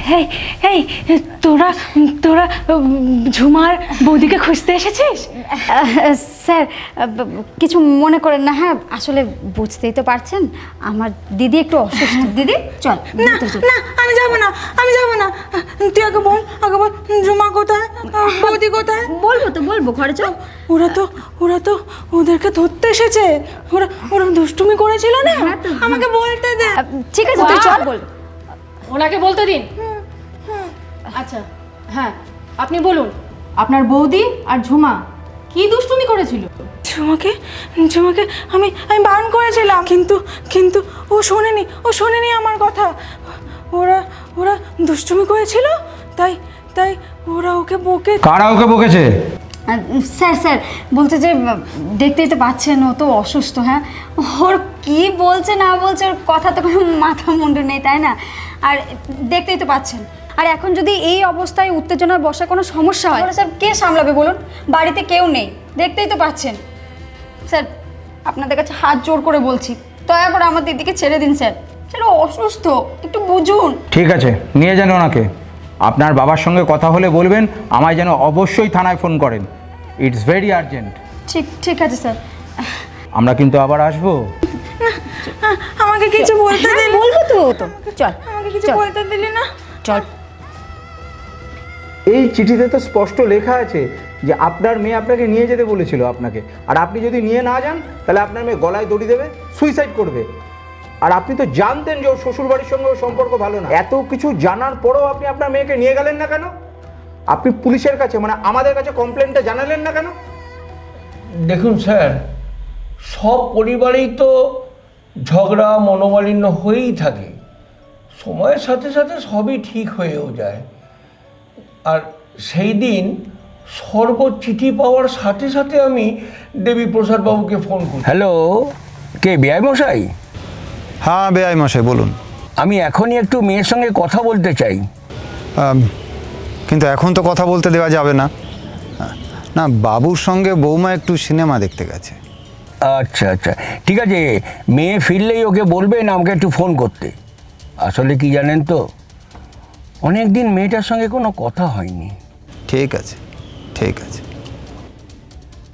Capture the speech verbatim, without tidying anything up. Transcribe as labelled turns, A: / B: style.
A: এই এই তোরা তোরা ঝুমার বৌদিকে খুঁজতে এসেছিস?
B: স্যার কিছু মনে করেন না। হ্যাঁ আসলে বুঝতেই তো পারছেন আমার দিদি একটু অসুস্থ। দিদি চল।
A: না না আমি যাব না, আমি যাব না। তুই আগে বল, আগে বল ঝুমা কোথায়, বৌদি কোথায়?
B: বলবো তো বলবো, ঘরে চল।
A: ওরা তো ওরা তো ওদেরকে ধরতে এসেছে। ওরা ওরা দুষ্টুমি করেছিল না, আমাকে বলতে দে।
B: ঠিক আছে তুই চল। বল,
C: ওনাকে বলতে দিন। আচ্ছা হ্যাঁ আপনি বলুন, আপনার বৌদি আর ঝুমা কি দুষ্টুমি করেছিল?
A: ঝুমাকে ঝুমাকে আমি আমি বারণ করেছিলাম, কিন্তু কিন্তু ও শোনেনি, ও শোনেনি আমার কথা। ওরা ওরা দুষ্টুমি করেছিল, তাই তাই ওরা ওকে বকে।
D: কারা ওকে বকেছে?
B: স্যার স্যার বলছে যে দেখতেই তো পাচ্ছেন ও তো অসুস্থ। হ্যাঁ ওর কি বলছে না বলছে ওর কথা তো কোনো মাথা মুন্ডু নেই, তাই না? আর দেখতেই তো পাচ্ছেন, আর এখন যদি এই অবস্থায় উত্তেজনার বসে কোনো সমস্যা হয় স্যার কে সামলাবে বলুন? বাড়িতে কেউ নেই, দেখতেই তো পাচ্ছেন। স্যার আপনাদের কাছে হাত জোর করে বলছি, দয়া করে আমার দিদিকে ছেড়ে দিন স্যার। স্যার ও অসুস্থ, একটু বুঝুন।
D: ঠিক আছে, নিয়ে যান ওনাকে। আপনার বাবার সঙ্গে কথা হলে বলবেন আমায় যেন অবশ্যই থানায় ফোন করেন। It's very urgent.
B: ঠিক ঠিক আছে স্যার।
D: আমরা কিন্তু আবার আসবো।
A: আমাকে কিছু বলতে দিলি?
B: বলবো তো তো চল,
A: আমাকে কিছু
B: চল।
A: বলতে দিলি না?
B: চল।
D: এই চিঠিতে তো স্পষ্ট লেখা আছে যে আপনার মেয়ে আপনাকে নিয়ে যেতে বলেছিল আপনাকে, আর আপনি যদি নিয়ে না যান তাহলে আপনার মেয়ে গলায় দড়ি দেবে, সুইসাইড করবে। আর আপনি তো জানতেন যে ওর শ্বশুরবাড়ির সঙ্গে ওর সম্পর্ক ভালো না। এত কিছু জানার পরেও আপনি আপনার মেয়েকে নিয়ে গেলেন না কেন? আপনি পুলিশের কাছে মানে আমাদের কাছে কমপ্লেনটা জানালেন না কেন?
E: দেখুন স্যার, সব পরিবারেই তো ঝগড়া মনোমালিন্য হয়েই থাকে, সময়ের সাথে সাথে সবই ঠিক হয়েও যায়। আর সেই দিন সর্ব চিঠি পাওয়ার সাথে সাথে আমি দেবীপ্রসাদ বাবুকে ফোন করি।
F: হ্যালো, কে বেআই মশাই?
G: হ্যাঁ বেআই মশাই বলুন।
F: আমি এখনই একটু মেয়ের সঙ্গে কথা বলতে চাই।
G: আম, কিন্তু এখন তো কথা বলতে দেওয়া যাবে না। না, বাবুর সঙ্গে বৌমা একটু সিনেমা দেখতে গেছে।
F: আচ্ছা আচ্ছা ঠিক আছে, মেয়ে ফিরলেই ওকে বলবেন আমাকে একটু ফোন করতে। আসলে কি জানেন তো, অনেক দিন মেয়েটার সঙ্গে কোনো কথা হয়নি।
G: ঠিক আছে ঠিক আছে।